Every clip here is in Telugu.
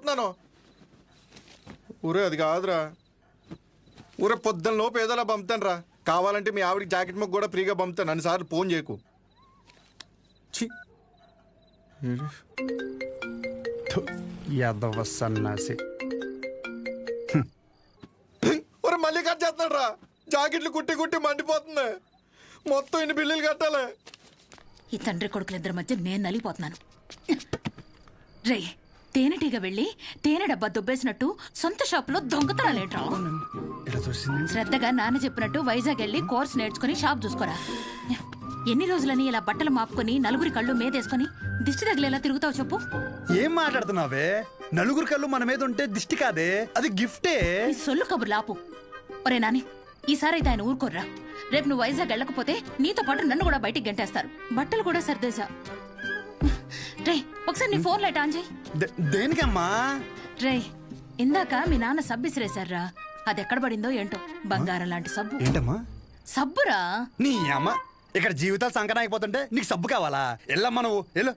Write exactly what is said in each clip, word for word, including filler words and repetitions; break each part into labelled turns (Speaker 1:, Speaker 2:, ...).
Speaker 1: చూస్తున్నాను. ఊరే అది కాదురా, ఊరే పొద్దున్న లోపు ఏదోలా పంపుతాను రా. కావాలంటే మీ ఆవిడకి జాకెట్ మొక్క కూడా ఫ్రీగా పంపుతాను, అన్నిసార్లు ఫోన్ చేయకు.
Speaker 2: యాదవ సన్నాసి.
Speaker 1: ఒరే మళ్ళీ కట్ చేస్తున్నాడు రా. జాకెట్లు కుట్టి కుట్టి మండిపోతుంది. మొత్తం ఇన్ని బిల్లులు కట్టాలి.
Speaker 3: ఈ తండ్రి కొడుకులిద్దరి మధ్య నేను నలిగిపోతున్నాను. రే, తేనెటీగ వెళ్ళి తేనె డబ్బా దుబ్బేసినట్టు సొంత షాపులో దొంగతనాలేట్రా. శ్రద్ధగా నాన్న చెప్పినట్టు వైజాగ్ వెళ్ళి కోర్స్ నేర్చుకుని షాప్ చూసుకోరా. ఎన్ని రోజులని ఇలా బట్టలు మాపుకొని నలుగురి కళ్ళు మీదేసుకుని దిష్టి తగిలేలా తిరుగుతావు చెప్పు.
Speaker 2: ఏం మాట్లాడుతున్నావే? నలుగురు కళ్ళు మన మీద ఉంటే దిష్టి కాదే, అది గిఫ్టే.
Speaker 3: ఈ సొల్లు కబుర్లు ఆపు. ఒరే నాని, ఈసారి అయితే ఆయన ఊరుకోర్రా. రేపు నువ్వు వైజాగ్ వెళ్ళకపోతే నీతో పాటు నన్ను కూడా బయటికి గంటేస్తారు. బట్టలు కూడా సర్దేశా. రే, ఒకసారి నీ ఫోన్ లైట్ ఆన్ చేయి.
Speaker 2: దేనికమ్మా?
Speaker 3: రే, ఇందాక మీ నాన్న సబ్బు ఇసిరేశారా, అది ఎక్కడ పడిందో ఏంటో. బంగారం లాంటి సబ్బు.
Speaker 2: ఏంటమ్మా?
Speaker 3: సబ్బురా.
Speaker 2: నీ అమ్మ, ఇక్కడ జీవితాలు సంకటం అయిపోతుంటే నీకు సబ్బు కావాలా? ఎల్లమ్మా నువ్వు వెళ్ళు.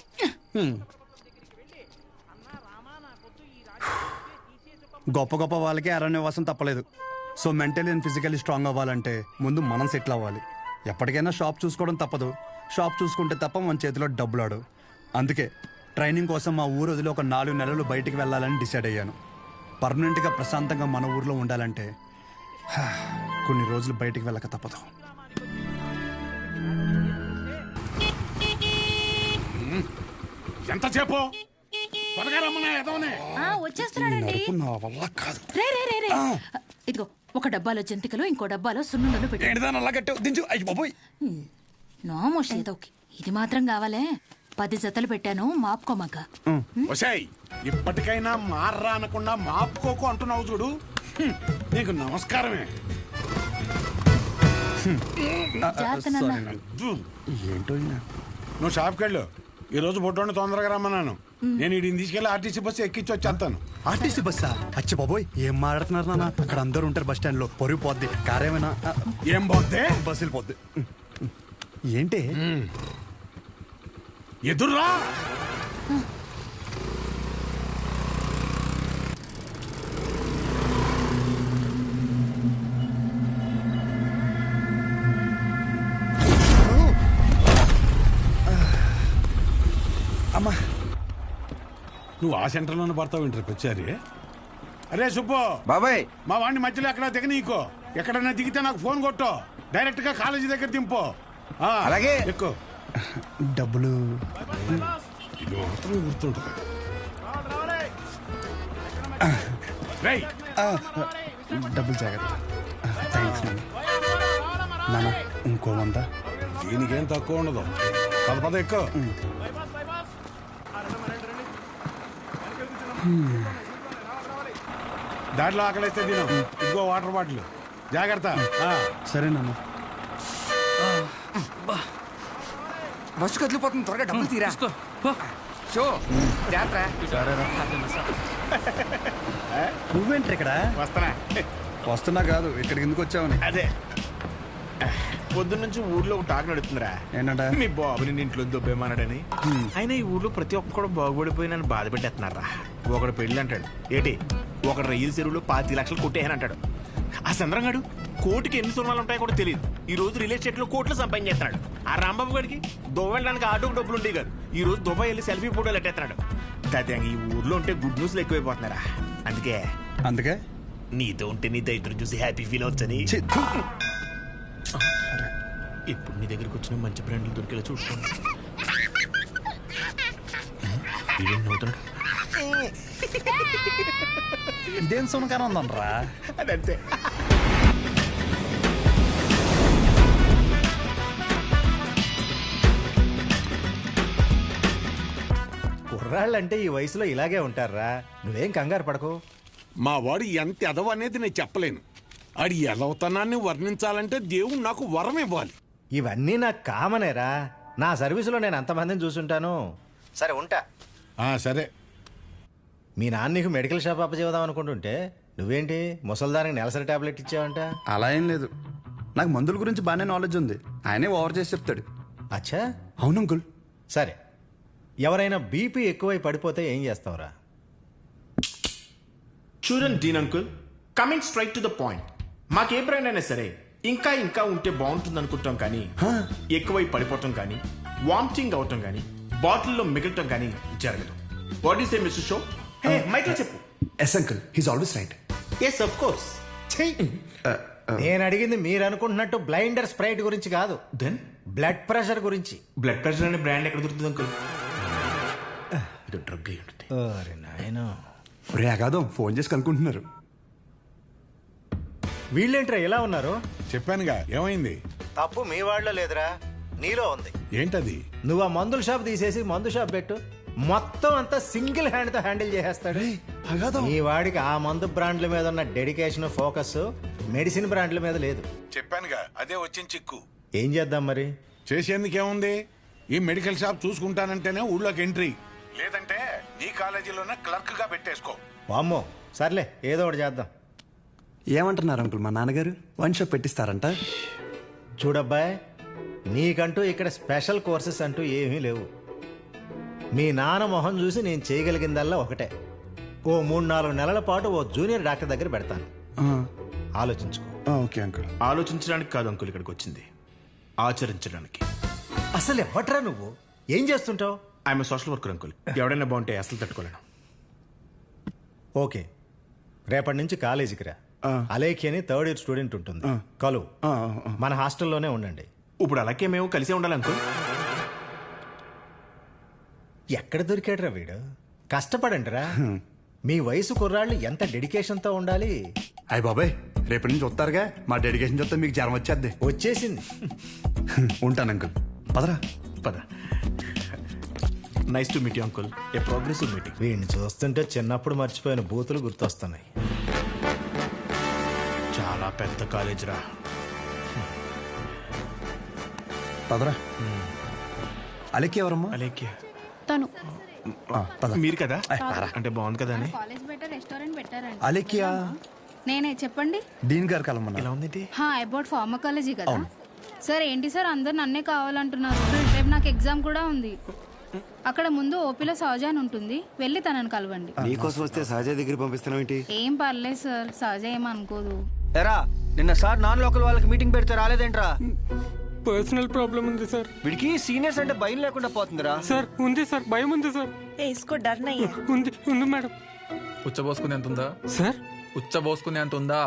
Speaker 2: గొప్ప గొప్ప వాళ్ళకి అరణ్యవాసం తప్పలేదు. So mentally and physically strong అవ్వాలంటే ముందు మనం సెటిల్ అవ్వాలి. ఎప్పటికైనా షాప్ చూసుకోవడం తప్పదు. షాప్ చూసుకుంటే తప్ప మన చేతిలో డబ్బులు ఆడు. అందుకే ట్రైనింగ్ కోసం మా ఊరు వదిలి ఒక నాలుగు నెలలు బయటికి వెళ్ళాలని డిసైడ్ అయ్యాను. పర్మనెంట్గా ప్రశాంతంగా మన ఊర్లో ఉండాలంటే కొన్ని రోజులు బయటికి వెళ్ళక తప్పదు.
Speaker 4: ఎంతసేపు
Speaker 3: వచ్చేస్తున్నాడండి. రే రే రే రే, ఇదిగో ఒక డబ్బాలో జంతికలు, ఇంకో డబ్బాలో సున్నుండలు పెట్టి. నోమోష్ ఏదో ఇది మాత్రం కావాలే. పది జతలు పెట్టాను, మాపుకోమాక.
Speaker 4: ఇప్పటికైనా మార్రా అనకుండా మాపుకోకు అంటున్నావు చూడు. నీకు నమస్కారమే.
Speaker 2: ఏంటో
Speaker 4: నువ్వు షాప్కి వెళ్ళు. ఈ రోజు బొడ్డోని తొందరగా రమ్మన్నాను. నేను వీడిని తీసుకెళ్లి ఆర్టీసీ బస్సు ఎక్కించి వచ్చేస్తాను.
Speaker 2: ఆర్టీసీ బస్సా? అచ్చి బాబోయ్, ఏం మాట్లాడుతున్నారు నాన్న? అక్కడ అందరూ ఉంటారు బస్ స్టాండ్ లో. పొరుగు పోద్ది. కారేమైనా
Speaker 4: ఏం పోద్ది?
Speaker 2: బస్సు వెళ్ళిపోద్ది. ఏంటి
Speaker 4: ఎదుర్రా?
Speaker 2: అమ్మా,
Speaker 4: నువ్వు ఆ సెంటర్లోనే పడతావు ఇంటర్ వచ్చారి. అరే సుబ్బు
Speaker 5: బాబాయ్,
Speaker 4: మా వాడిని మధ్యలో ఎక్కడ దిగ నీకో. ఎక్కడన్నా దిగితే నాకు ఫోన్ కొట్టు. డైరెక్ట్ గా కాలేజీ దగ్గర దింపు.
Speaker 5: అలాగే.
Speaker 4: ఎక్కువ
Speaker 2: డబ్బులు
Speaker 4: ఇది మాత్రం గుర్తుంటుంది.
Speaker 2: డబ్బులు జాగ్రత్త. థ్యాంక్స్ నాన్న. ఇంకో వంద.
Speaker 4: దీనికేం తక్కువ ఉండదు. పద పద ఎక్కువ. దాంట్లో ఆకలిస్తే తిను. ఇంకో వాటర్ బాటిల్ జాగ్రత్త.
Speaker 2: సరే నాన్న.
Speaker 5: బస్సు కదిలిపోతుంది, త్వరగా డబ్బులు తీరా.
Speaker 2: నువ్వేంటి ఇక్కడ?
Speaker 4: వస్తానా?
Speaker 2: వస్తున్నా కాదు, ఇక్కడికి ఎందుకు వచ్చావని.
Speaker 1: అదే పొద్దున్న నుంచి ఊర్లో ఒక టాక్ నడుతుందిరా.
Speaker 2: ఏంటంట?
Speaker 1: మీ బాబుని ఇంట్లో దొబ్బేమన్నాడని. అయినా ఈ ఊర్లో ప్రతి ఒక్కడు బాగుపడిపోయి నన్ను బాధ పెట్టేస్తున్నారా. ఒకడు పెళ్ళి అంటాడు, ఏంటి ఒకడు రైలు చెరువులో పాతి లక్షలు కొట్టేయని అంటాడు. ఆ చంద్రంగాడు కోటికి ఎన్ని సున్నాలు ఉంటాయో కూడా తెలియదు. ఈ రోజు రియల్ ఎస్టేట్ లో కోట్లు సంపాదించేస్తున్నాడు. ఆ రాంబాబు గడికి దుబాయ్ వెళ్ళడానికి ఆటోకి డబ్బులు ఉండేవి కాదు. ఈ రోజు దుబాయ్ వెళ్ళి సెల్ఫీ ఫోటోలు ఎట్టేస్తున్నాడు. దాదాపు ఈ ఊర్లో ఉంటే గుడ్ న్యూస్లు ఎక్కువైపోతున్నారా. అందుకే
Speaker 2: అందుకే
Speaker 1: నీతో ఉంటే నీ దైత్రం చూసి హ్యాపీ ఫీల్ అవచ్చని ఇప్పుడు నీ దగ్గరకు వచ్చిన మంచి బ్రాండ్లు దొరికేలా చూసుకోండి.
Speaker 2: ఇదేం సునకారం ఉందనరా?
Speaker 1: అదంతే.
Speaker 6: కుర్రాళ్ళంటే ఈ వయసులో ఇలాగే ఉంటారా. నువ్వేం కంగారు పడకు.
Speaker 4: మా వాడు ఎంత ఎదవ అనేది నేను చెప్పలేను. ఆడి ఎదవతనాన్ని వర్ణించాలంటే దేవుడు నాకు వరం ఇవ్వాలి.
Speaker 6: ఇవన్నీ నాకు కామనేరా. నా సర్వీసులో నేను అంతమందిని చూసుంటాను. సరే ఉంటా.
Speaker 4: సరే.
Speaker 6: మీ నాన్న నీకు మెడికల్ షాప్ అప్పచేద్దాం అనుకుంటుంటే నువ్వేంటి ముసల్దానికి నెలసరి టాబ్లెట్ ఇచ్చావంట?
Speaker 2: అలా ఏం లేదు, నాకు మందుల గురించి బాగానే నాలెడ్జ్ ఉంది. ఆయనే ఓవర్ చేసి చెప్తాడు.
Speaker 6: అచ్చా,
Speaker 2: అవును అంకుల్.
Speaker 6: సరే, ఎవరైనా బీపీ ఎక్కువై పడిపోతే ఏం చేస్తావురా?
Speaker 1: చూడండి Dean uncle, coming straight to the point, మాకే బ్రాండ్ అయినా సరే ఇంకా ఇంకా ఉంటే బాగుంటుంది అనుకుంటాం కానీ ఎక్కువై పడిపోవటం కానీ వామిటింగ్ అవటం కానీ బాటిల్లో మిగలటం కానీ జరగదు. What is a mister show? Hey మైక్లో చెప్పు.
Speaker 2: Yes uncle, he's always right.
Speaker 1: Yes of course.
Speaker 6: నేను అడిగింది మీరు అనుకుంటున్నట్టు బ్లైండర్ స్ప్రైట్ గురించి కాదు,
Speaker 1: దెన్
Speaker 6: బ్లడ్ ప్రెషర్ గురించి.
Speaker 1: బ్లడ్ ప్రెషర్ అనే బ్రాండ్ ఎక్కడ దొరుకుతుంది అంకుల్? ఇది డ్రగ్ అయి ఉంటుంది.
Speaker 6: అరే నాయనా,
Speaker 2: రే అగాదం ఫోన్ చేసి కనుక్కుంటున్నారు.
Speaker 6: వీళ్ళేంట్రా ఇలా ఉన్నారు?
Speaker 4: చెప్పానుగా ఏమైంది.
Speaker 6: తప్పు మీ వాళ్ళలో లేదురా, నీలో ఉంది.
Speaker 4: ఏంటది?
Speaker 6: నువ్వు ఆ మందుల షాప్ తీసేసి మందు షాప్ పెట్టు, మొత్తం అంతా సింగిల్ హ్యాండ్ తో హ్యాండిల్ చేసేస్తాడు. ఈ వాడికి ఆ మందు బ్రాండ్ల మీద ఉన్న డెడికేషన్, ఫోకస్ మెడిసిన్ బ్రాండ్ల మీద లేదు.
Speaker 4: చెప్పానుగా అదే వచ్చిన చిక్కు.
Speaker 6: ఏం చేద్దాం మరి?
Speaker 4: చేసేందుకేముంది, ఈ మెడికల్ షాప్ చూసుకుంటానంటేనే ఊళ్ళోకి ఎంట్రీ, లేదంటే నీ కాలేజీలోనే క్లర్క్ గా పెట్టేసుకో.
Speaker 6: వామ్మో, సర్లే ఏదో ఒకటి చేద్దాం.
Speaker 2: ఏమంటున్నారు అంకుల్, మా నాన్నగారు వన్ షాప్ పెట్టిస్తారంట?
Speaker 6: చూడబ్బాయ్, నీకంటూ ఇక్కడ స్పెషల్ కోర్సెస్ అంటూ ఏమీ లేవు. మీ నాన్న మొహం చూసి నేను చేయగలిగిందల్లా ఒకటే, ఓ మూడు నాలుగు నెలల పాటు ఓ జూనియర్ డాక్టర్ దగ్గర పెడతాను. ఆలోచించుకో.
Speaker 2: Okay uncle.
Speaker 1: ఆలోచించడానికి కాదు అంకుల్ ఇక్కడికి వచ్చింది, ఆచరించడానికి.
Speaker 6: అసలు ఎవట్రా నువ్వు? ఏం చేస్తుంటావు?
Speaker 1: I'm social worker uncle. ఎవడైనా బాగుంటే అసలు తట్టుకోలేను.
Speaker 6: ఓకే, రేపటి నుంచి కాలేజీకి రా. అలేఖి అని థర్డ్ ఇయర్ స్టూడెంట్ ఉంటుంది, కలు. మన హాస్టల్లోనే ఉండండి.
Speaker 1: ఇప్పుడు అలాగే మేము కలిసే ఉండాలి అంకుల్.
Speaker 6: ఎక్కడ దొరికాడురా వీడు? కష్టపడండి రా. మీ వయసు కుర్రాళ్ళు ఎంత డెడికేషన్తో ఉండాలి.
Speaker 2: అయ్య బాబాయ్, రేపటి నుంచి వస్తారుగా, మా డెడికేషన్ చూస్తే మీకు జ్వరం వచ్చేద్ది.
Speaker 6: వచ్చేసింది.
Speaker 2: ఉంటాను అంకుల్, పదరా.
Speaker 1: పద. Nice to meet you uncle, a progressive meeting.
Speaker 6: వీడిని చూస్తుంటే చిన్నప్పుడు మర్చిపోయిన బూతులు గుర్తొస్తున్నాయి.
Speaker 1: చాలా పెద్ద కాలేజ్ రా.
Speaker 2: పదరా. అలెక్కి ఎవరమ్మా?
Speaker 1: అలేఖ్య
Speaker 3: తను
Speaker 1: మీరు కదా, అంటే బాగుంది కదా అని.
Speaker 7: కాలేజ్ బయట రెస్టారెంట్ పెట్టారండి.
Speaker 2: అలెక్కియా?
Speaker 7: నేనే, చెప్పండి.
Speaker 2: డీన్ గారు కలమన్నా.
Speaker 1: ఎలా ఉంది?
Speaker 7: హా, అబౌట్ ఫార్మకాలజీ కదా. సార్ ఏంటి సార్ అందరు నన్నే కావాలంటున్నారు? రేపు నాకు ఎగ్జామ్ కూడా ఉంది. అక్కడ ముందు ఓపీలో సహజ అని ఉంటుంది, వెళ్ళి తనని కలవండి.
Speaker 2: నీకోసం వస్తే సహజ దగ్గర పంపిస్తున్నావు ఏంటి?
Speaker 7: ఏం పర్లేదు సార్, సహజ ఏమనుకోదు.
Speaker 5: ఎరా, నిన్న సార్ నాన్ లోకల్ వాళ్ళకి మీటింగ్ పెడితే రాలేదేంట్రా?
Speaker 8: పర్సనల్ ప్రాబ్లం ఉంది సార్.
Speaker 5: వీడికి సీనియర్స్ అంటే భయం లేకుండా పోతుందిరా.
Speaker 8: సార్ ఉంది సార్, భయం ఉంది సార్. ఉంది ఉంది మేడం.
Speaker 9: ఉచ్చబోసుకునే అంత ఉందా
Speaker 8: సార్?
Speaker 9: ఉచ్చబోసుకునే అంత ఉందా?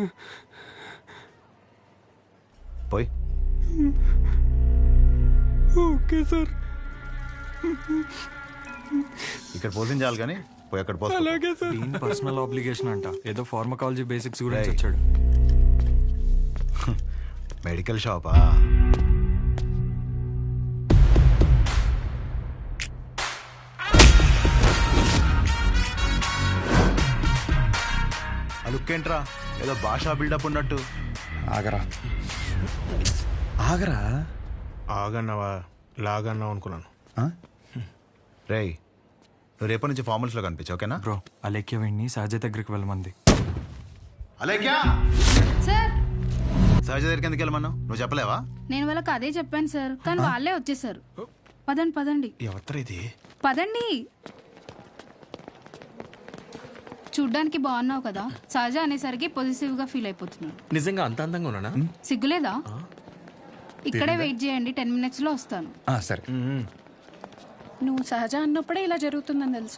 Speaker 2: పోయి.
Speaker 8: Okay sir.
Speaker 10: ఇక్కడ పోషించాలి కానీ పోయి అక్కడ పోయి.
Speaker 8: అలాగే సార్.
Speaker 9: పర్సనల్ ఆబ్లిగేషన్ అంట, ఏదో ఫార్మకాలజీ బేసిక్స్ గురించి వచ్చాడు.
Speaker 10: మెడికల్ షాపా? అలుక్కేంట్రా, ఏదో భాషా బిల్డప్ ఉన్నట్టు.
Speaker 2: ఆగరా ఆగరా.
Speaker 1: ఆగన్నావా లాగన్నావు అనుకున్నాను.
Speaker 10: రేయ్, నువ్వు రేపటి నుంచి ఫార్మల్స్ లో కనిపించు, ఓకేనా?
Speaker 9: బ్రో, అలేఖ్య వెండి సహజ దగ్గరికి వెళ్ళమంది.
Speaker 10: అలేఖ్యా,
Speaker 7: సార్
Speaker 10: సహజ దగ్గరికి ఎందుకు వెళ్ళమన్నావు? నువ్వు చెప్పలేవా?
Speaker 7: నేను వాళ్ళకి అదే చెప్పాను సార్, కానీ వాళ్ళే వచ్చేసారు. పదండి పదండి
Speaker 1: ఎవరు ఇది?
Speaker 7: పదండి. చూడ్డానికి బాగున్నావు కదా, సహజ అనేసరికి పొజిటివ్ గా ఫీల్ అయిపోతున్నాను.
Speaker 1: నిజంగా అంత అందంగా ఉన్నానా?
Speaker 7: సిగ్గులేదా? ఇక్కడే వెయిట్ చేయండి, టెన్ మినిట్స్ లో వస్తాను.
Speaker 2: సరే.
Speaker 11: నువ్వు సహజ అన్నప్పుడే ఇలా జరుగుతుందని తెలుసు.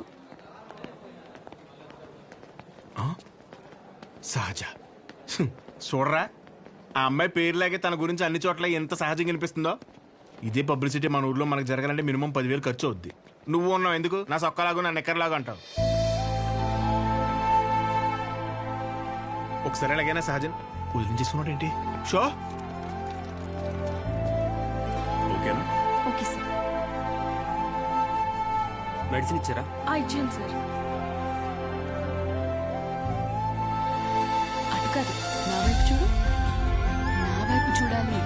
Speaker 1: సహజ చూడరా, ఆ అమ్మాయి పేరులాగే తన గురించి అన్ని చోట్ల ఎంత సహజంగా అనిపిస్తుందో. ఇదే పబ్లిసిటీ మన ఊర్లో మనకు జరగాలంటే మినిమం పదివేలు ఖర్చు అవుద్ది. నువ్వు ఉన్నావు ఎందుకు, నా సొక్కలాగా నా నెక్కర్లాగా అంటావు. ఒకసారి ఎలాగైనా సహజన్ వదిలించేసుకున్నాడు ఏంటి? షో ఓకేనా?
Speaker 11: Okay sir.
Speaker 9: మెడిసిన్ ఇచ్చారా?
Speaker 11: ఇచ్చాను సార్.
Speaker 3: అటు కాదు, నా వైపు చూడు, నా వైపు చూడాలి.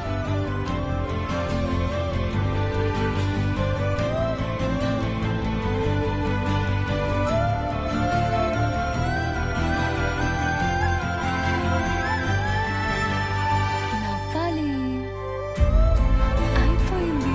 Speaker 3: నవ్వాలి. అయిపోయింది.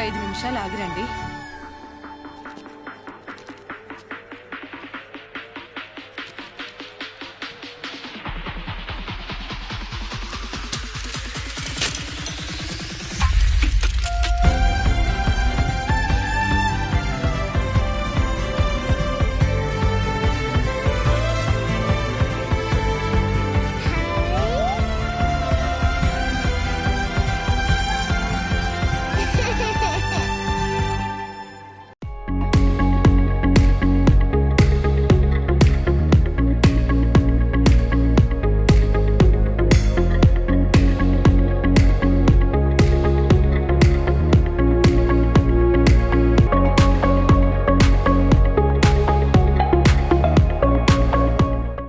Speaker 11: ఐదు నిమిషాలు ఆగిరండి